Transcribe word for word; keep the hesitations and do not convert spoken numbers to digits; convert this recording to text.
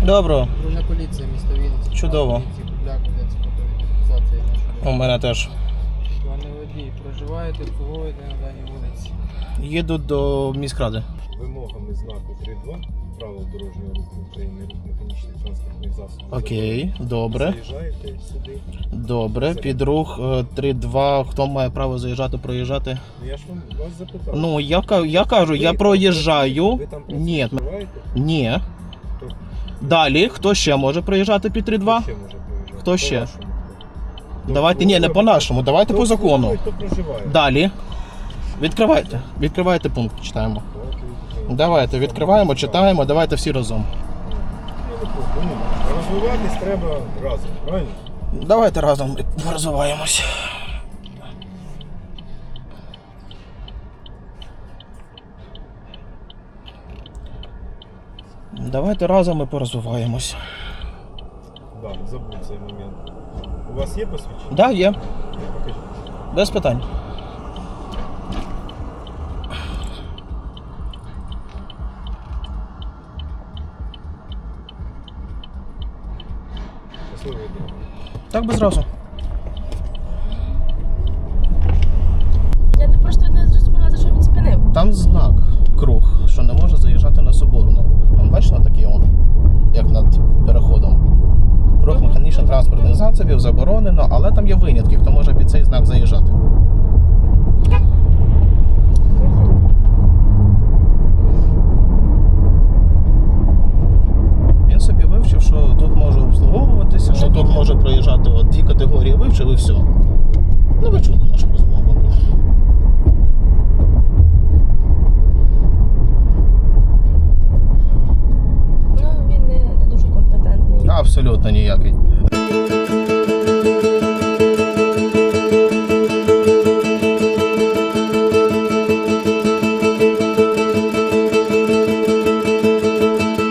Доброго. Патрульна поліція, місто Вінниця. Чудово. Купляк, ведеться фотофіксація нашої. У мене теж. Пане водій, проживаєте, обслуговуєте на даній вулиці? Їду до міськради. Вимогами знаку три два правил дорожнього руху України, рух механічних транспортних засобів. Окей, добре. Заїжджаєте сюди. Добре, під рух три два. Хто має право заїжджати, проїжджати? Ну, я ж вам вас запитав. Ну, я, ка- я кажу, я Ви- проїжджаю. Ви там Ні. проживаєте? Ні. Хто? Далі, хто ще може проїжджати під три два? Хто ще може проїжджати? Хто ще? По-вашому. Хто? Давайте, ні, не по-нашому, давайте Хто по закону. обслуговує, Хто проживає? Далі. Відкривайте. Відкривайте пункт, читаємо. Давайте відкриваємо. Давайте, відкриваємо, читаємо, давайте всі разом. Ну, не просто, ну, розвиватись треба разом, правильно? Давайте разом розвиваємось. Давайте разом і порозвиваємось. Так, да, забув цей момент. У вас є посвідчення? Так, да, є. Покажіть. Без питань. Щасливої дня. Так без разу. Я не просто не зрозуміла, за що він спинив. Там знак круг, що не може заїжджати на Соборну. Там бачите такий он, як над переходом. Рух механічних транспортних засобів заборонено, але там є винятки, хто може під цей знак заїжджати. Він собі вивчив, що тут може обслуговуватися, що тут може проїжджати от дві категорії, вивчив і все. Ну ви чули нашу розмову. Ну, він не, не дуже компетентний. Абсолютно ніякий.